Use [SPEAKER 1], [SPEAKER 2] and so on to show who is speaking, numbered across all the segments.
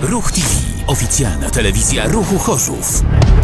[SPEAKER 1] Ruch TV. Oficjalna telewizja Ruchu Chorzów.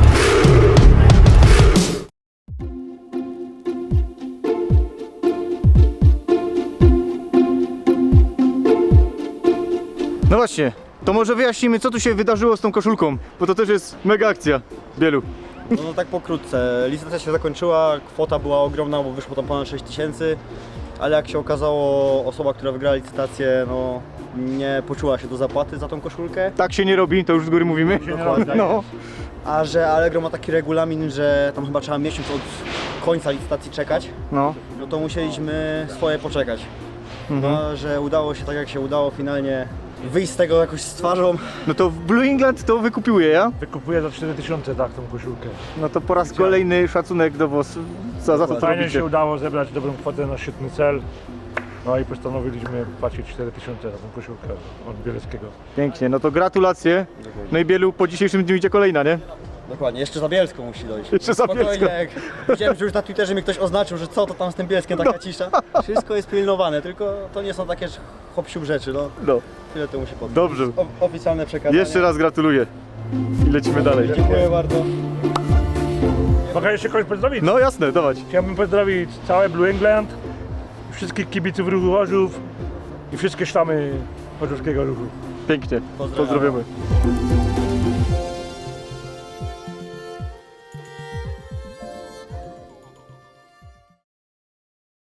[SPEAKER 2] No właśnie, to może wyjaśnimy, co tu się wydarzyło z tą koszulką, bo to też jest mega akcja Bielu.
[SPEAKER 3] No tak pokrótce, licytacja się zakończyła, kwota była ogromna, bo wyszło tam ponad 6 tysięcy, ale jak się okazało, osoba, która wygrała licytację, no nie poczuła się do zapłaty za tą koszulkę.
[SPEAKER 2] Tak się nie robi, to już z góry mówimy.
[SPEAKER 3] Dokładnie.
[SPEAKER 2] No.
[SPEAKER 3] A że Allegro ma taki regulamin, że tam chyba trzeba miesiąc od końca licytacji czekać,
[SPEAKER 2] No.
[SPEAKER 3] no to musieliśmy swoje poczekać. No, że udało się tak jak się udało finalnie wyjść z tego jakoś z twarzą.
[SPEAKER 2] No to w Blue England to wykupiłem ja.
[SPEAKER 4] Wykupuję za 4000 tak tą koszulkę.
[SPEAKER 2] No to po raz kolejny szacunek do was za to, co
[SPEAKER 4] Fajnie
[SPEAKER 2] robicie.
[SPEAKER 4] się udało zebrać dobrą kwotę na świetny cel. No i postanowiliśmy płacić 4000 za tą koszulkę od Bieleckiego.
[SPEAKER 2] Pięknie, no to gratulacje. No i Bielu, po dzisiejszym dniu idzie kolejna, nie?
[SPEAKER 3] Dokładnie, jeszcze za Bielską musi dojść.
[SPEAKER 2] Jeszcze za
[SPEAKER 3] Spokojnie,
[SPEAKER 2] Bielską.
[SPEAKER 3] jak widziałem, że już na Twitterze mi ktoś oznaczył, że co to tam z tym Bielskiem taka cisza. Wszystko jest pilnowane, tylko to nie są takie hop-siup rzeczy, no.
[SPEAKER 2] No,
[SPEAKER 3] Tyle to musi podać.
[SPEAKER 2] dobrze.
[SPEAKER 3] Oficjalne przekazanie.
[SPEAKER 2] Jeszcze raz gratuluję. I lecimy dalej.
[SPEAKER 3] Dziękuję bardzo.
[SPEAKER 4] Mogę jeszcze kogoś pozdrowić?
[SPEAKER 2] No jasne, dawać.
[SPEAKER 4] Chciałbym pozdrowić całe Blue England, wszystkich kibiców Ruchu Chorzów i wszystkie sztamy chorzowskiego ruchu.
[SPEAKER 2] Pięknie.
[SPEAKER 3] Pozdrawiamy.
[SPEAKER 2] Pozdrawiamy.